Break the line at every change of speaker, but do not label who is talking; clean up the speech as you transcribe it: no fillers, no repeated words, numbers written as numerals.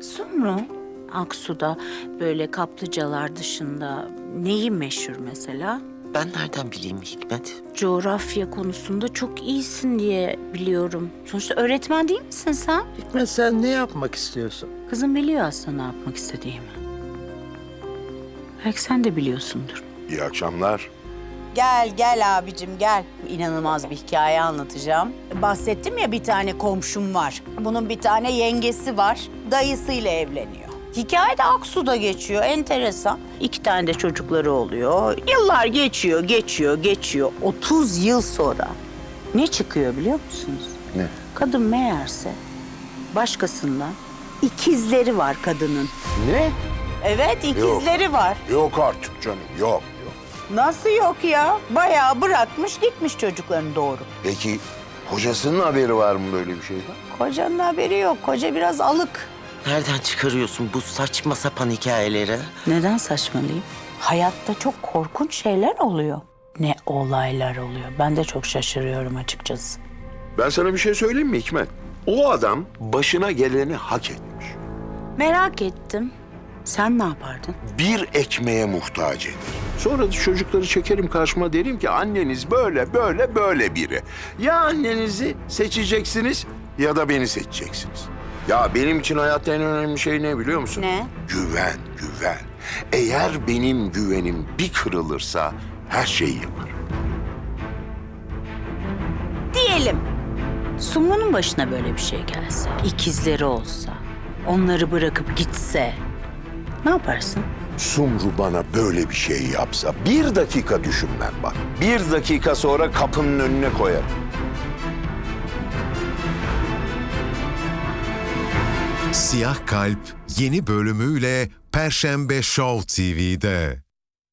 Sumru, Aksu'da böyle kaplıcalar dışında neyi meşhur mesela?
Ben nereden bileyim Hikmet?
Coğrafya konusunda çok iyisin diye biliyorum. Sonuçta öğretmen değil misin sen?
Hikmet, sen ne yapmak istiyorsun?
Kızım biliyor aslında ne yapmak istediğimi. Belki sen de biliyorsundur.
İyi akşamlar.
Gel abicim gel. İnanılmaz bir hikaye anlatacağım. Bahsettim ya bir tane komşum var. Bunun bir tane yengesi var. Dayısıyla evleniyor. Hikaye de Aksu'da geçiyor. Enteresan. 2 tane de çocukları oluyor. Yıllar geçiyor. 30 yıl sonra ne çıkıyor biliyor musunuz?
Ne?
Kadın meğerse başkasından ikizleri var kadının.
Ne?
Evet ikizleri var.
Yok artık canım, yok.
Nasıl yok ya? Bayağı bırakmış gitmiş çocuklarını doğru.
Peki kocasının haberi var mı böyle bir şeyden?
Kocanın haberi yok. Koca biraz alık.
Nereden çıkarıyorsun bu saçma sapan hikayeleri?
Neden saçmalayayım? Hayatta çok korkunç şeyler oluyor. Ne olaylar oluyor. Ben de çok şaşırıyorum açıkçası.
Ben sana bir şey söyleyeyim mi Hikmet? O adam başına geleni hak etmiş.
Merak ettim. Sen ne yapardın?
Bir ekmeğe muhtaç eder. Sonra da çocukları çekerim karşıma, derim ki anneniz böyle biri. Ya annenizi seçeceksiniz ya da beni seçeceksiniz. Ya benim için hayatta en önemli şey ne biliyor musun?
Ne?
Güven. Eğer benim güvenim bir kırılırsa her şeyi yaparım.
Diyelim. Sumru'nun başına böyle bir şey gelse, ikizleri olsa, onları bırakıp gitse ne yaparsın?
Sumru bana böyle bir şey yapsa 1 dakika düşünmem bak. 1 dakika sonra kapının önüne koyarım.
Siyah Kalp yeni bölümüyle Perşembe Show TV'de.